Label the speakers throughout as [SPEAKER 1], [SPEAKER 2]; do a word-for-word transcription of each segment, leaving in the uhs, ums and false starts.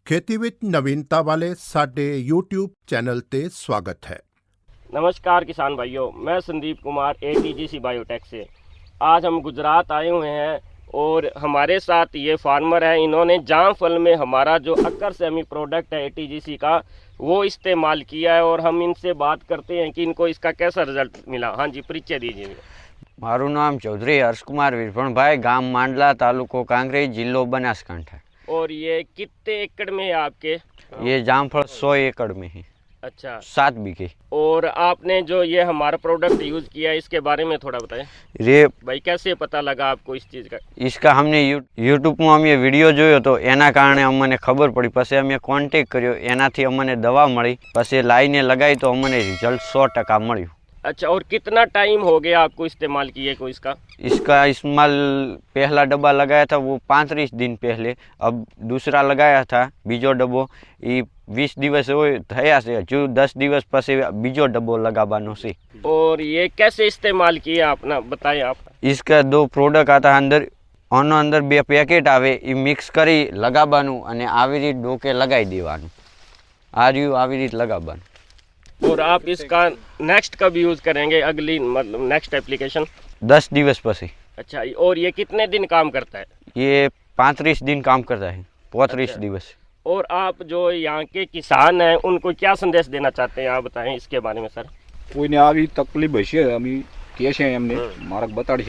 [SPEAKER 1] खेती ਵਿੱਚ ਨਵੀਨਤਾ ਵਾਲੇ ਸਾਡੇ YouTube ਚੈਨਲ ਤੇ स्वागत है।
[SPEAKER 2] नमस्कार किसान भाइयों, मैं Sandeep Kumar A T G C biotech से। आज हम गुजरात आए हुए हैं और हमारे साथ ये फार्मर है। इन्होंने जाम फल में हमारा जो अक्कर सेमी प्रोडक्ट है ए टी जी सी का वो इस्तेमाल किया है और हम इनसे बात करते हैं कि इनको इसका कैसा रिजल्ट मिला। हाँ जी, परिचय दीजिए।
[SPEAKER 3] मारू नाम चौधरी हर्ष कुमार वीरभणभाई, गाम मांडला, तालुको कांकरेज, जिल्लो बनासकांठा।
[SPEAKER 2] और ये कितने एकड़ में है आपके?
[SPEAKER 3] ये जामफल सौ एकड़ में है।
[SPEAKER 2] अच्छा,
[SPEAKER 3] सात बीघे।
[SPEAKER 2] और आपने जो ये हमारा प्रोडक्ट यूज़ किया है इसके बारे में थोड़ा बताएं।
[SPEAKER 3] ये
[SPEAKER 2] भाई कैसे पता लगा आपको इस चीज़ का?
[SPEAKER 3] इसका हमने यूट्यूब में अमे विडियो जोयो तो एना कारणे अमने खबर पड़ी, पछी अमे कॉन्टेक्ट कर्यो, एनाथी अमने दवा मळी, पछी लाईने लगाई तो अमने रिजल्ट सौ टका मळ्युं।
[SPEAKER 2] अच्छा, और कितना टाइम हो गया आपको इस्तेमाल किए को इसका?
[SPEAKER 3] इसका इस्तेमाल पहला डब्बा लगाया था वो पैंतीस दिन पहले, अब दूसरा लगाया था बीजो डब्बो ये बीस दिवस हो थया से, जो दस दिवस पछी बीजो डब्बो लगावानो छे।
[SPEAKER 2] और ये कैसे इस्तेमाल किया आपने बताएं आप?
[SPEAKER 3] इसका दो प्रोडक्ट आता अंदर, आनो अंदर बे पेकेट आवे, ई मिक्स करी लगावानुं अने आवी रीत डोके लगाई देवानुं। आ रह्युं आवी रीत लगावानुं।
[SPEAKER 2] और आप इसका नेक्स्ट कब यूज़ करेंगे, अगली मतलब नेक्स्ट एप्लीकेशन?
[SPEAKER 3] दस दिवस पछी।
[SPEAKER 2] अच्छा, और ये कितने दिन काम करता है?
[SPEAKER 3] ये पैंतीस दिन काम करता है, पैंतीस
[SPEAKER 2] अच्छा।
[SPEAKER 3] दिवस।
[SPEAKER 2] और आप जो यहाँ के किसान हैं उनको क्या संदेश देना चाहते हैं, आप बताएं इसके बारे में सर।
[SPEAKER 4] કોઈને આવી તકલીફ હશે અમે કહે છે એમને માર્ગ બતાડશે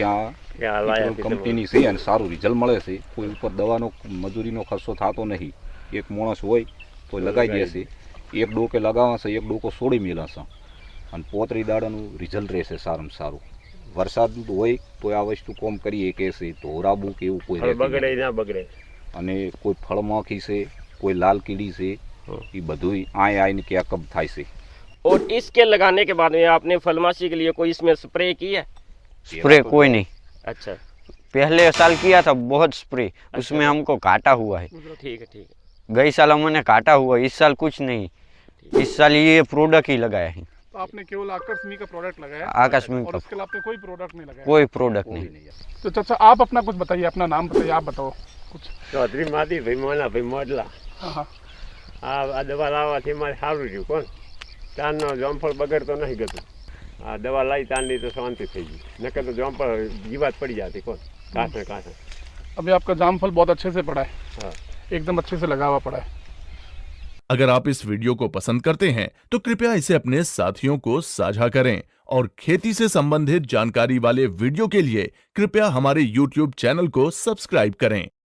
[SPEAKER 4] આ કંપનીની છે અને સારું રિઝલ્ટ મળે છે। કોઈ ઉપર દવાનો મજૂરીનો ખર્ચો થતો નહીં। એક માણસ હોય તો લગાવી દેશે, એક ડોકે લગાવશે, એક ડોકો છોડી મેળવશે અને પોતરી દાડાનું રિઝલ્ટ રહેશે સારામાં સારું। વરસાદ હોય તો આ વસ્તુ કોમ કરીએ કે છે ધોરાબુ કે એવું કોઈ
[SPEAKER 2] બગડે ના બગડે,
[SPEAKER 4] અને કોઈ ફળમાખી છે, કોઈ લાલ કીડી છે, એ બધું આય આઈને કેકઅપ થાય છે।
[SPEAKER 2] और इसके लगाने के बाद में आपने फलमाशी के लिए कोई इसमें स्प्रे की है?
[SPEAKER 3] स्प्रे कोई नहीं।
[SPEAKER 2] अच्छा,
[SPEAKER 3] पहले साल किया था बहुत स्प्रे, उसमें हमको घाटा हुआ है।
[SPEAKER 2] ठीक है ठीक है।
[SPEAKER 3] गई साल हमने घाटा हुआ, इस साल कुछ नहीं, इस साल ये प्रोडक्ट ही लगाया है।
[SPEAKER 5] तो आपने केवल आकस्मिक का प्रोडक्ट लगाया
[SPEAKER 3] आकस्मिक
[SPEAKER 5] और
[SPEAKER 3] का
[SPEAKER 5] उसके अलावा आपने कोई प्रोडक्ट नहीं लगाया?
[SPEAKER 3] कोई प्रोडक्ट नहीं।
[SPEAKER 5] तो चाचा आप अपना कुछ बताइए, अपना नाम बताइए, आप बताओ कुछ।
[SPEAKER 6] चौधरी मादी भाई मोना भाई मोडला।
[SPEAKER 5] हाँ हाँ,
[SPEAKER 6] आ दवा लाववाથી મારે સારું રહ્યું। કોણ તારનો જામફળ બગડતો નહીં ગતું। આ દવા લાવી તારની તો શાંતિ થઈ ગઈ, નકર તો જામફળ જીવાત પડી જાતી। કોણ કાંઠે કાંઠે।
[SPEAKER 5] अभी आपका जामफल बहुत अच्छे से पड़ा है,
[SPEAKER 6] हाँ,
[SPEAKER 5] एकदम अच्छे से लगा हुआ पड़ा है।
[SPEAKER 7] अगर आप इस वीडियो को पसंद करते हैं तो कृपया इसे अपने साथियों को साझा करें और खेती से संबंधित जानकारी वाले वीडियो के लिए कृपया हमारे YouTube चैनल को सब्सक्राइब करें।